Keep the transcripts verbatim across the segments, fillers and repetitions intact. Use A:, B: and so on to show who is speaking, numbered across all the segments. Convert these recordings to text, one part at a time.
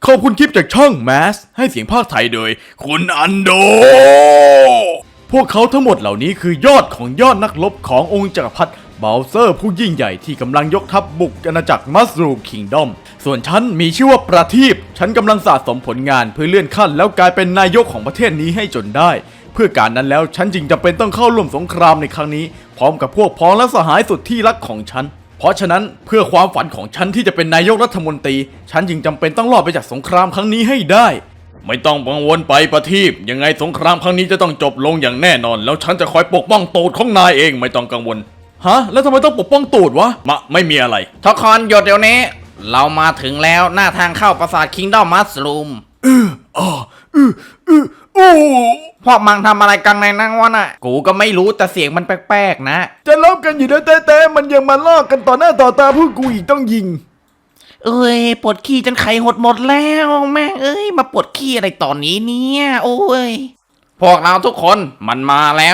A: อบคุณคลิปจากช่อง แมส ให้เสียงภาคไทยโดยคุณอันโดพวกเขาทั้งหมดเหล่านี้คือยอดของยอดนักรบขององค์จักรพรรดิเบลเซอร์ผู้ยิ่งใหญ่ที่กำลังยกทัพบุกอาณาจักรมัสรูมคิงดอมส่วนฉันมีชื่อว่าประทีปฉันกำลังสะสมผลงานเพื่อเลื่อนขั้นแล้วกลายเป็นนายกของประเทศนี้ให้จนได้เพื่อการนั้นแล้วฉันจึงจำเป็นต้องเข้าร่วมสงครามในครั้งนี้พร้อมกับพวกพ้องและสหายสุดที่รักของฉันเพราะฉะนั้นเพื่อความฝันของฉันที่จะเป็นนายกรัฐมนตรีฉันจึงจำเป็นต้องรอดไปจากสงครามครั้งนี้ให้ได้ไม่ต้องกังวลไปประทีปยังไงสงครามครั้งนี้จะต้องจบลงอย่างแน่นอนแล้วฉันจะคอยปกป้องตูดของนายเองไม่ต้องกังวลฮะแล้วทำไมต้องปกป้องตูดวะมะไม่มีอะไร
B: ทุกคนหยุดเดี๋ยวนี้เรามาถึงแล้วหน้าทางเข้าปราสาทคิงดอมมัสรูม
A: เอออ๋อเออเออโอ้
B: พวกมังทำอะไรกันในนั่งวะน่ะกูก็ไม่รู้แต่เสียงมันแปลกๆนะ
A: จะลบกันอยู่แล้วแต่มันยังมาลอกกันต่อหน้าต่อตาพวกกูอีกต้องยิง
B: เอ้ยปวดขี้จนไข่หดหมดแล้วแม่เอ้ยมาปวดขี้อะไรตอนนี้เนี่ยโอ้ยพวกเราทุกคนมันมาแล้ว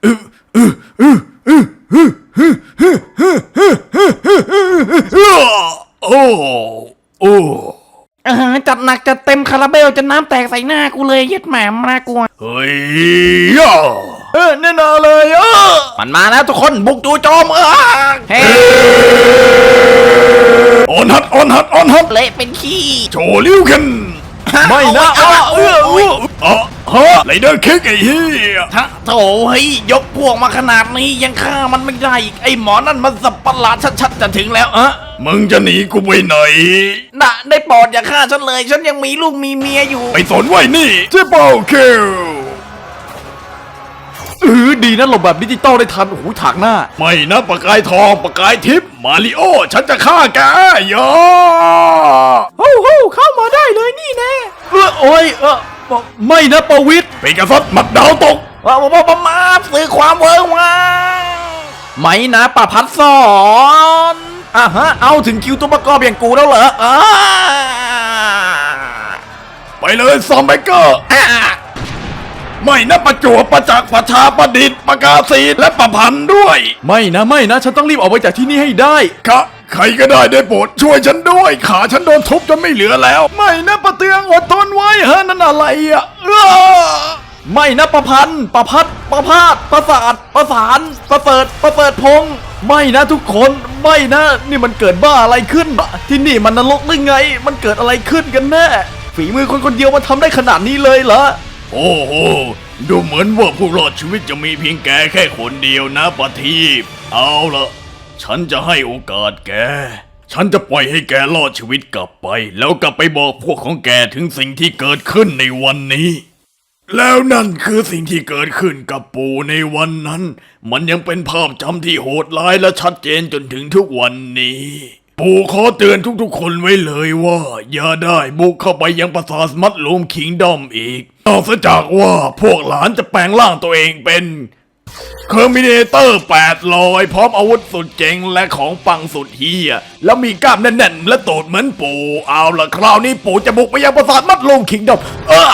A: โอ้โอ้
B: เออจัดหนักจัดเต็มคาราเบลจนน้ำแตกใส่หน้ากูเลยเย็ดแหม่มากลัว
A: เฮ้ยเออแน่นอนเลยเออ
B: มันมาแล้วทุกคนบุกจู่โจมเออเฮ้
A: ออนฮัดออนฮัดออนฮัด
B: เละเป็นขี้
A: โชว์ลิ้วกันไม่นะเออเออเออฮะไรเดอร์คิกไอ้เหี้ย
B: ฮะโถเฮ้ยยกพวกมาขนาดนี้ยังฆ่ามันไม่ได้อีกไอ้หมอนั่นมันสับประหลาดชัดๆจะถึงแล้วเออ
A: มึงจะหนีกูไปไหน
B: น่ะได้โปรดอย่าฆ่าฉันเลยฉันยังมีลูกมีเมียอยู่
A: ไปสนไว้นี่เจ๊เปิลคิลเออดีนะหลบแบบดิจิตอลได้ทันโอ้โหถากหน้าไม่นะประกายทองประกายทิพย์มาริโอฉันจะฆ่าแกย่า
B: โอ้โหเข้ามาได้เลยนี่แน่
A: เออโอ้ยเออไม่นะประวิตรเป็นกษัตริย์หมัดดาวตก
B: ว่าว่าว่ามาสื่อความเวิร์วาไม่นะประพัดสอนอ่ะฮะเอาถึงคิวตัวประกอบอย่างกูแล้วเหรออ่า
A: ไปเลยซอมเบเกอร์ไม่นะประจวบประจักษ์ประชาประดิษฐ์ประกาศีและประพันธ์ด้วยไม่นะไม่นะฉันต้องรีบออกไปจากที่นี่ให้ได้ครับใครก็ได้ได้โปรดช่วยฉันด้วยขาฉันโดนทุบจนไม่เหลือแล้วไม่นะประเตืองอดทนไว้ฮะนั่นอะไรอ่ะไม่นะประพันธ์ประพัดประพาสประสาทประสานประเสริฐประเสริฐพงษ์ไม่นะทุกคนไม่นะนี่มันเกิดบ้าอะไรขึ้นที่นี่มันนรกหรือไงมันเกิดอะไรขึ้นกันแน่ฝีมือคนคนเดียวมันทำได้ขนาดนี้เลยเหรอโอ้โหดูเหมือนว่าผู้รอดชีวิตจะมีเพียงแกแค่คนเดียวนะประทีปเอาละฉันจะให้โอกาสแกฉันจะปล่อยให้แกรอดชีวิตกลับไปแล้วกลับไปบอกพวกของแกถึงสิ่งที่เกิดขึ้นในวันนี้แล้วนั่นคือสิ่งที่เกิดขึ้นกับปู่ในวันนั้นมันยังเป็นภาพจำที่โหดร้ายและชัดเจนจนถึงทุกวันนี้ปู่ขอเตือนทุกๆคนไว้เลยว่าอย่าได้บุกเข้าไปยังปราสาทมัดลูมคิงดอมอีกนอกจากว่าพวกหลานจะแปลงร่างตัวเองเป็นเคอร์มิเนเตอร์แปดร้อยพร้อมอาวุธสุดเจ๋งและของปังสุดเฮียแล้วมีกล้ามแน่นๆและตูดเหมือนปู่เอาล่ะคราวนี้ปู่จะบุกไปยังปราสาทมัดลูมคิงดอมเออ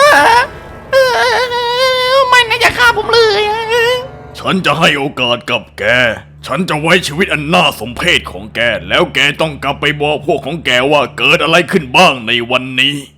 B: ไม่น่าจะฆ่าผมเลย
A: ฉันจะให้โอกาสกับแกฉันจะไว้ชีวิตอันน่าสมเพชของแกแล้วแกต้องกลับไปบอกพวกของแกว่าเกิดอะไรขึ้นบ้างในวันนี้